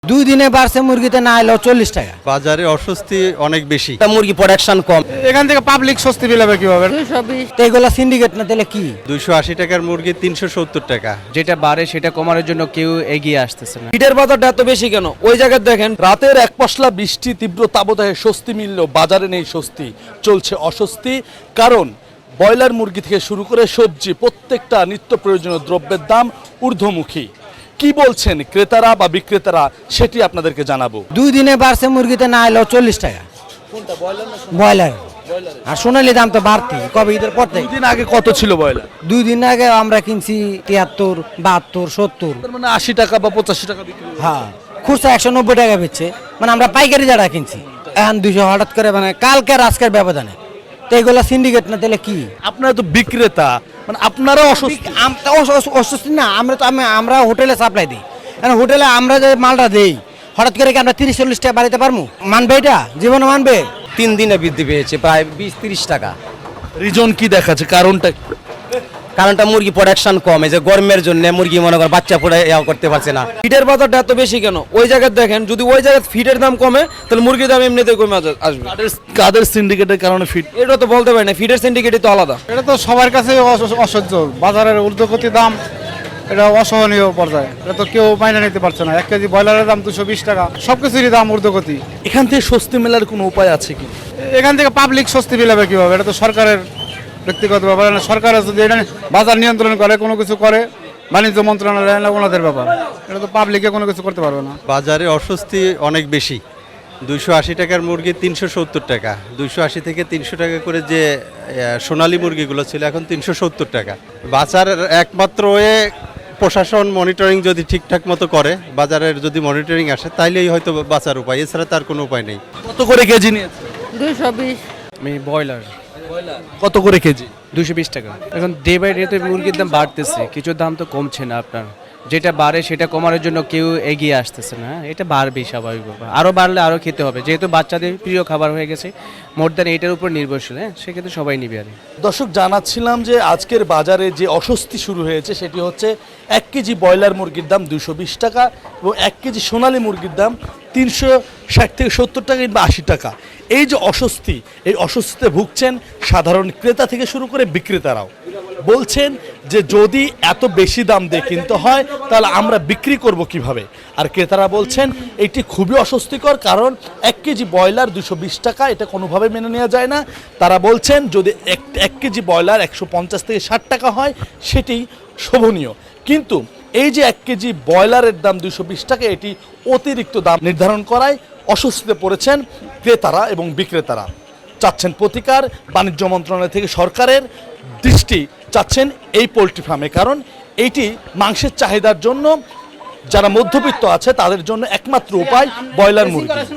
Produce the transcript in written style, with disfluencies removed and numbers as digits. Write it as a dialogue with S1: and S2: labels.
S1: দুই দিনে বাড়ছে মুরগিতে না এলো 40 টাকা।
S2: বাজারে অস্বস্তি অনেক বেশি।
S1: মুরগি প্রোডাকশন কম,
S3: এখান থেকে পাবলিক স্বস্তি পেলাবে কিভাবে?
S1: 220 তো এগুলো সিন্ডিকেট না দিলে কি?
S2: 280 টাকার মুরগি 370 টাকা।
S4: যেটা বাড়ে সেটা কমানোর জন্য কেউ এগিয়ে আসতেছে না।
S5: ফিডের বাজারটা এত বেশি কেন? ওই জায়গায় দেখেন রাতের এক পশলা বৃষ্টি তীব্র তাপদাহে স্বস্তি মিললেও বাজারে নেই স্বস্তি, চলছে অস্বস্তি। কারণ ব্রয়লার মুরগি থেকে শুরু করে সবজি প্রত্যেকটা নিত্য প্রয়োজনীয় দ্রব্যের দাম ঊর্ধ্বমুখী। কি বলছেন ক্রেতারা বা বিক্রেতারা সেটি আপনাদেরকে জানাবো।
S1: দুই দিনে বাড়ছে মুরগিতে না এলো 40 টাকা। ব্রয়লার আর সোনালী দাম তো বাড়তি কবে ঈদের পর থেকে।
S5: দিন আগে কত ছিল ব্রয়লার?
S1: দুই দিন আগে আমরা কিনছি 73, 72, 70।
S5: তার মানে 80 টাকা বা 85 টাকা বিক্রি হচ্ছে।
S1: হ্যাঁ, খুচরা 190 টাকা বেচছে, মানে আমরা পাইকারি যারা কিনছি। এখন 200 হঠাৎ করে, মানে কালকে আর আজকের ব্যবধানে। তো এগুলো সিন্ডিকেট না দিলে কি?
S5: আপনারা তো বিক্রেতা, মানে আপনারা অস্বস্তি।
S1: অস্বস্তি না, আমরা হোটেলে সাপ্লাই দিই। কারণ হোটেলে আমরা যে মালটা দেই, হঠাৎ করে কি আমরা 30-40 টাকা বাড়াতে পারবো? মানবে এটা? জীবনে মানবে?
S6: 3 দিনে বৃদ্ধি পেয়েছে প্রায় 20-30 টাকা।
S5: রিজন কি দেখাচ্ছে, কারণটা?
S6: কারণটা মুরগি প্রোডাকশন কম, এই যে গরমের জন্য মুরগি মনে করেন বাচ্চা পড়ে করতে পারছে না।
S5: ফিডের বাজারটা এত বেশি কেন? ওই জায়গায় দেখেন যদি ওই জায়গায় ফিডের দাম কমে তাহলে মুরগির দাম এমনিতে কমে আসবে। কাদের সিন্ডিকেটের কারণে ফিড? এটা তো বলতে পারি না, ফিডের সিন্ডিকেটই তো আলাদা।
S3: এটা তো সবার কাছে অসহ্য। বাজারের ঊর্ধ্বগতি দাম, এটা অসহনীয় পর্যায়ে। এটা তো কেউ মাইনে নিতে পারছে না। 1 কেজি ব্রয়লারের দাম 220 টাকা, সবকিছুরই দাম ঊর্ধ্বগতি।
S5: এখান থেকে স্বস্তি মেলার কোনো উপায় আছে কি?
S3: এখান থেকে পাবলিক স্বস্তি পেলাবে কিভাবে? এটা তো সরকারের ব্যক্তিগত ব্যাপার না। সরকার যদি এটা বাজার নিয়ন্ত্রণ করে, কোনো কিছু করে, বাণিজ্য মন্ত্রণালয় ওনাদের ব্যাপার। এটা তো পাবলিকে কোনো কিছু করতে পারবে না।
S2: বাজারে অস্বস্তি অনেক বেশি। 280 টাকার মুরগি 370 টাকা। 280 থেকে 300 টাকা করে যে সোনালী মুরগিগুলো ছিল এখন 370 টাকা। বাজার একমাত্র ওয়ে প্রশাসন মনিটরিং যদি ঠিকঠাক মতো করে, বাজারের যদি মনিটরিং আসে তাইলেই হয়তো বাঁচার উপায়, এছাড়া তার কোনো উপায় নেই।
S5: কত করে কেজি নিয়েছে?
S1: 220।
S4: আমি ব্রয়লার
S5: কত করে কেজি?
S4: 220 টাকা। এখন ডে বাই ডে তো মুরগির দাম বাড়তেছে, কিছু দাম তো কমছে না আপনার। যেটা বাড়ে সেটা কমানোর জন্য কেউ এগিয়ে আসতেছে না। এটা বাড়বেই স্বাভাবিক ব্যাপার, আরও বাড়লে আরও খেতে হবে, যেহেতু বাচ্চাদের প্রিয় খাবার হয়ে গেছে। মোর দ্যান এটার উপর নির্ভরশীল, হ্যাঁ, সেক্ষেত্রে সবাই নিবে। আর
S5: দর্শক, জানাচ্ছিলাম যে আজকের বাজারে যে অস্বস্তি শুরু হয়েছে সেটি হচ্ছে 1 কেজি ব্রয়লার মুরগির দাম 220 টাকা এবং 1 কেজি সোনালী মুরগির দাম 360 থেকে 70 টাকা কিংবা 80 টাকা। এই যে অস্বস্তি, এই অস্বস্তিতে ভুগছেন সাধারণ ক্রেতা থেকে শুরু করে বিক্রেতারাও। বলছেন যে যদি এত বেশি দাম দিয়ে কিনতে হয় তাহলে আমরা বিক্রি করব কিভাবে। আর ক্রেতারা বলছেন এটি খুবই অস্বস্তিকর, কারণ 1 কেজি ব্রয়লার 220 টাকা, এটা কোনোভাবে মেনে নেওয়া যায় না। তারা বলছেন যদি 1 কেজি ব্রয়লার 150 থেকে 60 টাকা হয় সেটি শোভনীয়, কিন্তু এই যে 1 কেজি ব্রয়লারের দাম 220 টাকা, এটি অতিরিক্ত দাম নির্ধারণ করায় অস্বস্তিতে পড়েছেন ক্রেতারা এবং বিক্রেতারা। চাচ্ছেন প্রতিকার, বাণিজ্য মন্ত্রণালয় থেকে সরকারের দৃষ্টি চাচ্ছেন এই পোলট্রি ফার্মে, কারণ এইটি মাংসের চাহিদার জন্য যারা মধ্যবিত্ত আছে তাদের জন্য একমাত্র উপায় ব্রয়লার মুরগি।